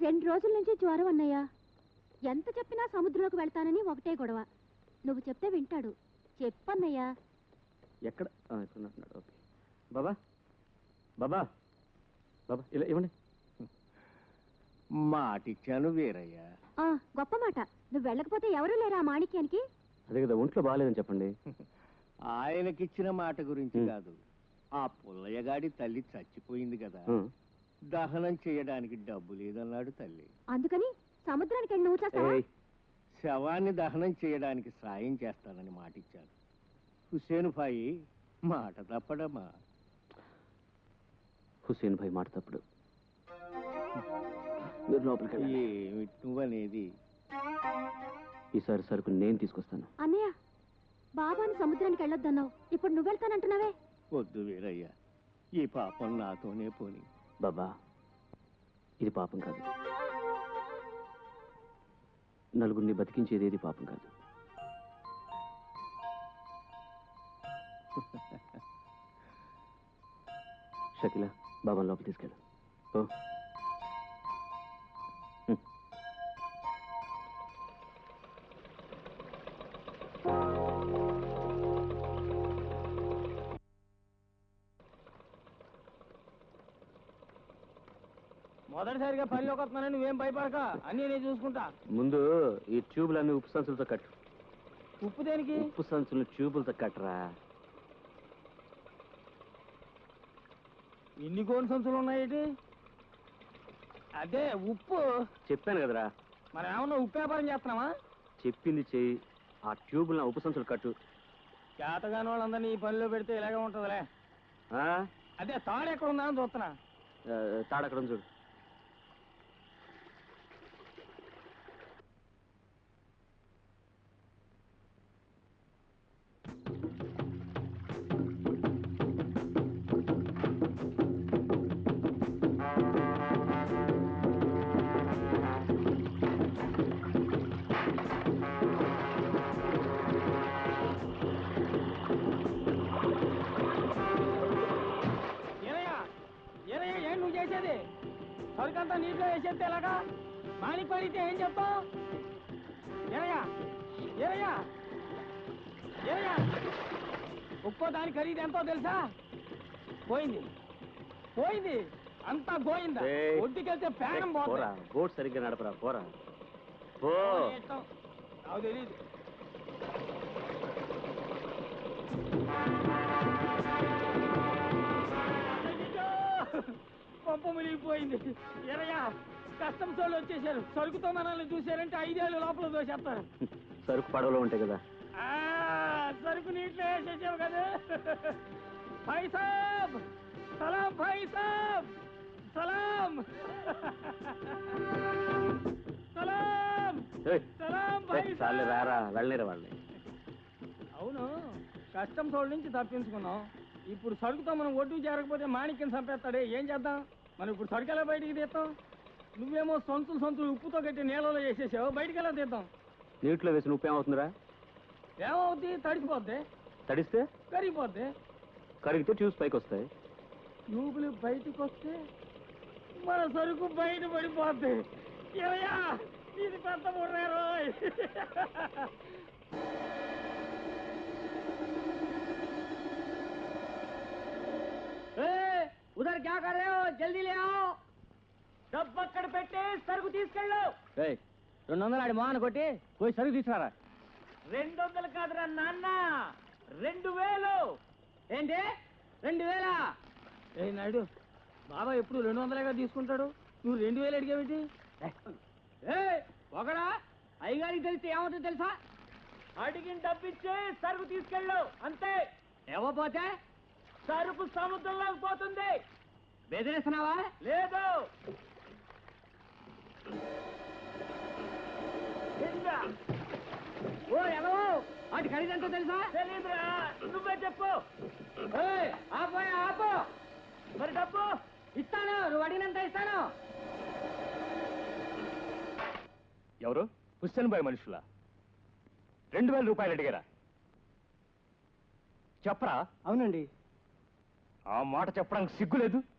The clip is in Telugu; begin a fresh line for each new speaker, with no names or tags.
2 రోజుల నుంచి జ్వరం అన్నయ్య. ఎంత చెప్పినా సముద్రంలోకి వెళ్తానని ఒకటే గొడవ. నువ్వు చెప్తే వింటాడు. చెప్పన్నయ్యా.
ఎక్కడ ఓకే. బాబా బాబా బాబా ఇలా ఇవ్వండి.
మాటిచ్చాను వీరయ్య.
గొప్ప మాట. నువ్వు వెళ్ళకపోతే ఎవరూ లేరా మాణిక్యానికి?
అదే కదా, ఒంట్లో బాగాలేదని చెప్పండి.
ఆయనకిచ్చిన మాట గురించి కాదు, ఆ పుల్లయ్యగాడి తల్లి చచ్చిపోయింది కదా, దహనం చేయడానికి డబ్బు లేదన్నాడు తల్లి.
అందుకని సముద్రానికి వెళ్ళి నువ్వు చేస్తావా?
శవాన్ని దహనం చేయడానికి సాయం చేస్తానని మాటిచ్చాను. హుసేన్ భాయ్ మాట తప్పడమా?
హుసేన్ భాయ్ మాట తప్పడు. మీరు లోపలికి
ఏమిటి నువ్వనేది?
ఈసారి సరుకు నేను తీసుకొస్తాను.
అన్నయ్య, బాబాని సముద్రానికి వెళ్ళొద్దన్నావు, ఇప్పుడు నువ్వు వెళ్తానంటున్నావే?
వద్దు వీరయ్య, ఈ పాపం నాతోనే పోని.
బాబా, ఇది పాపం కాదు. నలుగురిని బతికించేది ఏది పాపం కాదు. షకీలా, బాబాని లోపల తీసుకెళ్ళు. ఓ
మొదటిసారిగా పనిలోకి వస్తున్నానని నువ్వేం భయపడక, అన్నీ నేను చూసుకుంటా.
ముందు ఈ ట్యూబులన్నీ ఉప్పు సంచులతో కట్టు.
ఉప్పు దేనికి?
ఉప్పు సంచులు ట్యూబులతో కట్టరా.
ఇన్ని గోను సంచులు ఉన్నాయేటి? అదే ఉప్పు.
చెప్పాను కదరా.
మరి ఏమన్నా ఉప్పు వ్యాపారం చేస్తున్నావా?
చెప్పింది చెయ్యి. ఆ ట్యూబులు ఉప్పు సంచులు కట్టు.
చేతగాని వాళ్ళందరినీ ఈ పనిలో పెడితే ఇలాగే ఉంటుందిలే. అదే తాడు ఎక్కడ ఉందా అని చూస్తున్నా.
తాడు అక్కడ ఉంది చూడు.
సరుకంతా నీటిలో వేసేస్తే ఎలాగా? మాణిక్ పడితే ఏం చెప్తావు? ఏరయ్యా ఏరయ్యా ఏరయ్యా, ఒక్కో దాని ఖరీదు ఎంతో తెలుసా? పోయింది పోయింది, అంతా గోయిందా. ఒడ్డుకెళ్తే పేరం పోరా.
బోట్ సరిగ్గా నడపరా, పోరా.
నాకు తెలీదు. పంప మునిగిపోయింది. ఎరయ్యా, కస్టమ్స్ వాళ్ళు వచ్చేసారు. సరుకుతో మనల్ని చూసారంటే 5 ఏళ్ళు లోపల దోసేస్తారు.
సరుకు పడవలో ఉంటాయి కదా.
సరుకు నీటిలో వేసేసావు కదా. భాయ్ సాబ్ సలాం, భాయ్ సాబ్ సలాం సలాం సలాం భాయ్ సాబ్.
రారా, వెళ్ళలేరా వాళ్ళని.
అవును, కస్టమ్స్ వాళ్ళ నుంచి తప్పించుకున్నాం. ఇప్పుడు సరుకుతో మనం ఒడ్డుకు చేరకపోతే మాణిక్యం చంపేస్తాడే, ఏం చేద్దాం? మనం ఇప్పుడు సరుకు ఎలా బయటికి తీస్తాం? నువ్వేమో సంచులు ఉప్పుతో కట్టి నీళ్ళలో వేసేసావు, బయటికి ఎలా తీద్దాం?
నీటిలో వేసిన ఉప్పు ఏమవుతుందిరా?
ఏమవుద్ది? తడిసిపోద్ది.
తడిస్తే
కరిగిపోద్ది.
కరిగితే ట్యూబ్స్ పైకి వస్తాయి.
ట్యూబులు బయటకు వస్తే మన సరుకు బయట పడిపోద్ది. ఏమయ్యా, ఇది పెద్ద ముర్రారు. ఉదర్ క్యా కర్ రహే హో? జల్దీ లే आओ. డబ్బు అక్కడ పెట్టి సరుకు తీసుకెళ్ళు. 200 ఆడి మోహన్ కొట్టి పోయి సరుకు తీసుకురా. 200 కాదురా నాన్న, 2000. ఏంటి 2000? ఏ నాయుడు, బాబా ఎప్పుడు 200గా తీసుకుంటాడు, నువ్వు 2000 అడిగావేంటి? ఒకడా అయ్యగారికి తెలిస్తే ఏమవుతుందో తెలుసా? అడిగిన డబ్బిచ్చి సరుకు తీసుకెళ్ళు, అంతే. ఇవ్వపోతే సరుకు సముద్రంలోకి పోతుంది. బెదిరిస్తున్నావా? లేదు. ఓ ఎలా వాటి ఖరీదంతా తెలుసా? తెలీదురా, నువ్వే చెప్పు. ఆపోయా ఆపో. మరి డబ్బు ఇస్తాను, నువ్వు అడిగినంత ఇస్తాను.
ఎవరు? హుస్సేన్ భాయ్ మనుషులా? 2000 రూపాయలు అడిగారా? చెప్పరా.
అవునండి.
ఆ మాట చెప్పడానికి సిగ్గులేదు?